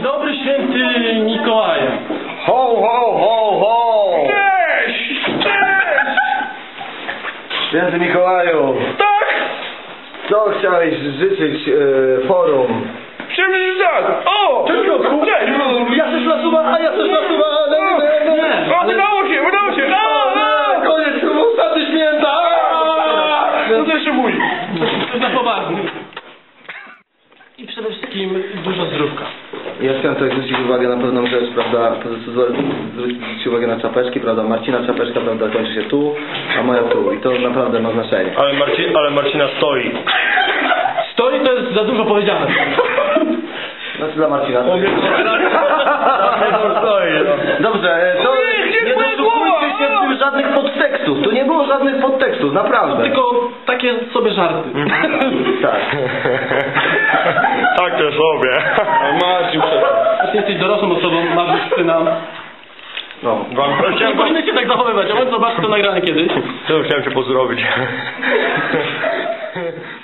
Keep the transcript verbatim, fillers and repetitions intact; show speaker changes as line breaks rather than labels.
dobry, święty Mikołaje.
Ho, ho, ho, ho!
Cześć! Cześć!
Święty Mikołaju!
Tak!
Co chciałeś życzyć e, forum?
Przecież tak! O!
Cześć, Piotrku!
Cześć!
Ja też nasuwa, a ja też nasuwa!
Nie, nie! O, udało się, udało się! A, a!
Koniec, ostatnie święta!
No to jeszcze mój. To za poważnie. I przede wszystkim dużo zdrówka.
Ja chciałem tutaj zwrócić uwagę na pewną rzecz, prawda, po prostu zwrócić uwagę na czapeczki, prawda, Marcina czapeczka, prawda, kończy się tu, a moja tu i to naprawdę ma znaczenie.
Ale, Marci, ale Marcina stoi.
Stoi to jest za dużo powiedziane.
Znaczy dla Marcina. To jest...
stoi, no.
Dobrze, to
Nie,
nie dosłuchujcie się w tym żadnych podtekstów, tu nie było żadnych podtekstów, naprawdę.
Tylko takie sobie żarty.
Tak.
Tak to sobie.
Marcin, ty jesteś dorosłą osobą, masz już syna.
No.
Wam
Nie
chciałem,
powinny się tak zachowywać, a my zobaczcie to nagrane kiedyś.
to chciałem cię pozdrowić.